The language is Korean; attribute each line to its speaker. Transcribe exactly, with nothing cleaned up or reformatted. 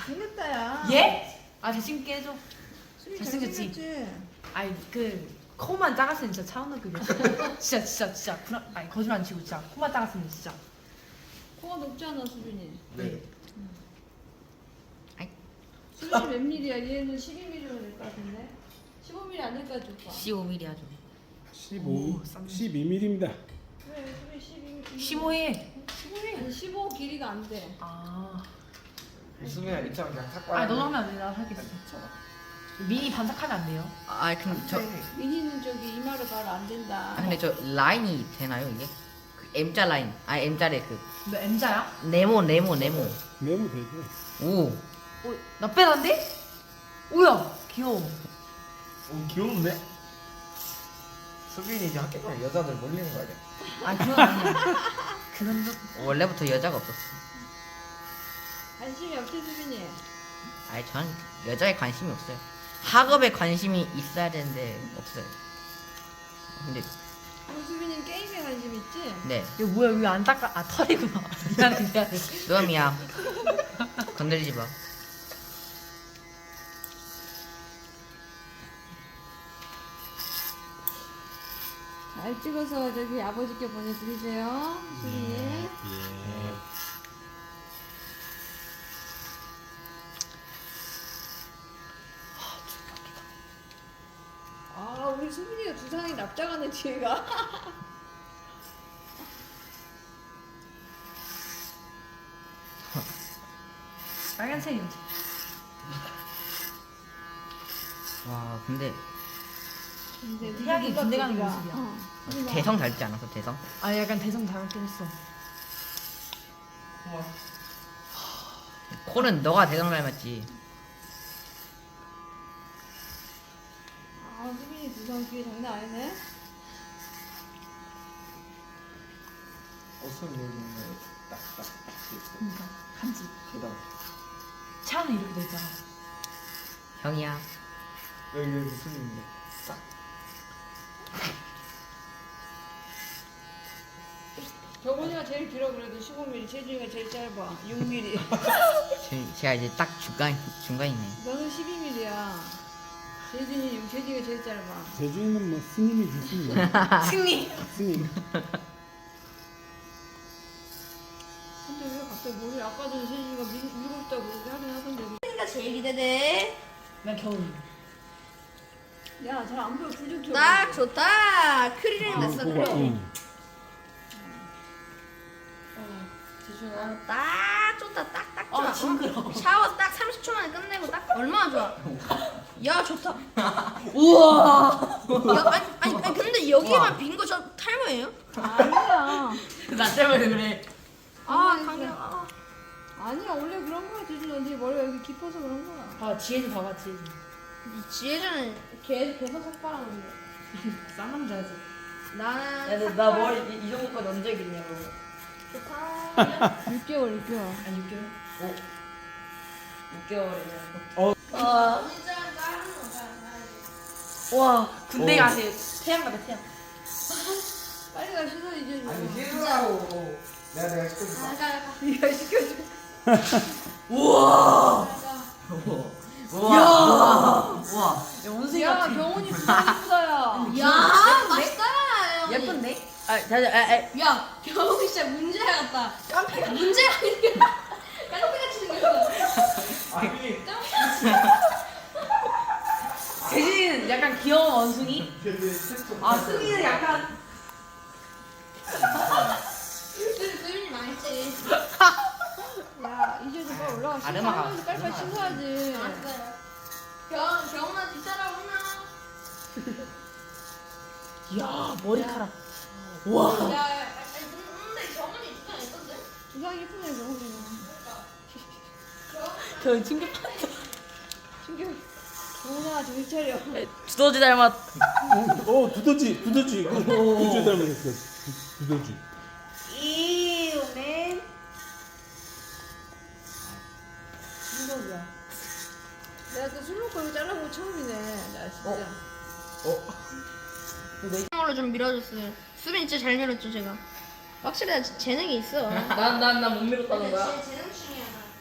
Speaker 1: 잘생겼다 야.
Speaker 2: 예? 아 잘생기게 해줘.
Speaker 1: 수빈이
Speaker 2: 잘생겼지?
Speaker 1: 잘생겼지?
Speaker 2: 아니 그 코만 작았으면 진짜 차은우 급이야. 진짜 진짜 진짜 불안. 아니 거짓말 안 치고 진짜 코만 작았으면 진짜.
Speaker 1: 코가 높지 않아 수빈이.
Speaker 3: 네.
Speaker 1: 수빈이 몇 밀리야? 얘는 십이 밀리로 될 것 같은데? 십오 밀리 안 될까 줄까?
Speaker 4: 십오 밀리미터 하죠.
Speaker 3: 십오,
Speaker 2: 쌈.
Speaker 3: 십이 밀리미터입니다.
Speaker 1: 그래 수빈이 십이 밀리.
Speaker 2: 십오에. 십오에.
Speaker 1: 아니 십오 길이가 안 돼.
Speaker 2: 아.
Speaker 5: 수빈아 이처럼 그냥 탁
Speaker 2: 아니 너도 하면 안 돼. 나도 하겠어. 미니 반삭하면 안 돼요.
Speaker 4: 아 근데 저,
Speaker 1: 미니는 저기 이마로 바로 안 된다.
Speaker 4: 아 근데 저 라인이 되나요 이게? 그 M자 라인. 아 M자래 그
Speaker 2: 너 M자야?
Speaker 4: 네모 네모 네모.
Speaker 3: 메모 되죠.
Speaker 4: 오.
Speaker 2: 어, 나 빼난데? 오야 귀여워.
Speaker 5: 오 귀여운데? 수빈이 이제 학교 가면 여자들 몰리는 거 아니야?
Speaker 2: 아니 그건 아니야. 그런 적.
Speaker 4: 원래부터 여자가 없었어.
Speaker 1: 관심이 없지 수빈이.
Speaker 4: 아니 전 여자에 관심이 없어요. 학업에 관심이 있어야 되는데 없어요. 근데
Speaker 1: 그럼 수빈이는 게임에 관심 있지?
Speaker 4: 네.
Speaker 2: 이거 뭐야 이거 안 닦아. 아 털이구나. 미안해 미안해.
Speaker 4: 노암이야. 건드리지 마.
Speaker 1: 잘 찍어서 저기 아버지께 보내드리세요 수빈이.
Speaker 3: 예.
Speaker 1: 아 우리 수빈이가 두상이 납작하네 뒤에가.
Speaker 2: 빨간색이지.
Speaker 4: 와 근데
Speaker 1: 근데
Speaker 2: 태양이
Speaker 1: 누가
Speaker 2: 군대 가는
Speaker 1: 크기가-
Speaker 2: 모습이야.
Speaker 1: 어. 수빈아.
Speaker 4: 대성 닮지 않았어 대성?
Speaker 2: 아 약간 대성 닮았긴 했어.
Speaker 4: 코는 너가 대성 닮았지.
Speaker 1: 아 수빈이 두상 뒤에 장난 아니네.
Speaker 5: 옷은 여기 딱딱딱
Speaker 2: 그러니까 간지.
Speaker 5: 계단
Speaker 2: 차는 이렇게 돼 있잖아.
Speaker 4: 형이야.
Speaker 5: 여기 여기 수빈인데 싹
Speaker 1: 저번이가 제일 길어 그래도 십오 밀리, 재준이가 제일 짧아 육 밀리.
Speaker 4: 제- 제가 이제 딱 중간 중간이네.
Speaker 1: 너는 십이 밀리야. 재준이 육, 재준이가 제일 짧아.
Speaker 3: 제주인은 뭐 스님이 좋습니다.
Speaker 2: 승리.
Speaker 3: 스님.
Speaker 1: 근데 왜 갑자기 머리 아까 전에 재준이가 밀, 밀고 싶다고 그렇게 하긴 하던데.
Speaker 6: 가 제일 기대돼.
Speaker 2: 난 겨울.
Speaker 1: 야 잘 안 보여 불 좀 켜.
Speaker 6: 딱 좋다. 크리링
Speaker 3: 아,
Speaker 6: 됐어.
Speaker 3: 그거,
Speaker 6: 크리링.
Speaker 3: 응.
Speaker 1: 재준아.
Speaker 6: 어, 딱 좋다. 딱 딱 좋아.
Speaker 2: 아 징그러.
Speaker 6: 샤워 딱 삼십 초 만에 끝내고 딱 얼마나 좋아. 야 좋다.
Speaker 2: 우와.
Speaker 6: 야 아니 아니, 아니 근데 여기만 빈 거 저 탈모예요?
Speaker 1: 아니야.
Speaker 2: 나 때문에 그래.
Speaker 6: 아 강경. 아.
Speaker 1: 아니야 원래 그런 거야 재준아. 네 머리가 여기 깊어서 그런 거야.
Speaker 2: 봐 지혜는 봐봐 지혜는.
Speaker 6: 이 지혜자는 개 계속 삭발하는데.
Speaker 2: 쌍남자지.
Speaker 6: 나는
Speaker 4: 나 머리 이, 이 정도까지 언제 했냐고.
Speaker 6: 좋다.
Speaker 1: 육 개월 육 개월.
Speaker 2: 아니 육 개월?
Speaker 4: 육 개월이면.
Speaker 6: 와. 진짜 다른 거.
Speaker 2: 와 군대
Speaker 5: 어.
Speaker 2: 가세요. 태양 가봐 태양.
Speaker 1: 빨리 가 씻어 이제.
Speaker 5: 아니 힐하고 내가 내가 시켜줄게
Speaker 6: 나가.
Speaker 1: 네가 시켜줘.
Speaker 2: 우와.
Speaker 4: 우와. 우와.
Speaker 2: 야 원숭이
Speaker 1: 야
Speaker 2: 같아.
Speaker 1: 경훈이 부산 이쁘다야.
Speaker 6: 야 맛있다.
Speaker 2: 예쁜데? 아 자자 아, 아.
Speaker 6: 야, 경훈이 진짜 문제 같다. 깜빡이야. 문제가 아니라 깜빡이같이 생겼어.
Speaker 5: 아니
Speaker 2: 재진이는 약간 귀여운 원숭이. 아 승희는 약간.
Speaker 6: 수윤이 망했지.
Speaker 1: 야 이제 좀 빨리 올라가.
Speaker 4: 아르마가
Speaker 1: 씻어야지. 빨리빨리 씻어야지.
Speaker 6: 알았어요. 경, 경훈아 뒤따라오나?
Speaker 2: 이야 머리카락. 와.
Speaker 6: 야, 야, 야, 근데 경훈이 두장 있던데?
Speaker 1: 두상 이쁘네 경훈이는.
Speaker 2: 저 충격.
Speaker 1: 충격. 경훈아 정신 차려.
Speaker 2: 두더지 닮았.
Speaker 3: 어, 두더지, 두더지. 두더지 닮았어. 두- 두더지.
Speaker 2: 이맨. 충격이야.
Speaker 1: 내가 또 술 먹고 이거 잘라본 거 처음이네. 나 진짜.
Speaker 6: 으로 좀 밀어줬어요. 수빈 진짜 잘 밀었죠, 제가. 확실히 나 재능이 있어.
Speaker 2: 난난난 못 밀었다는 거야?
Speaker 6: 재능충이야.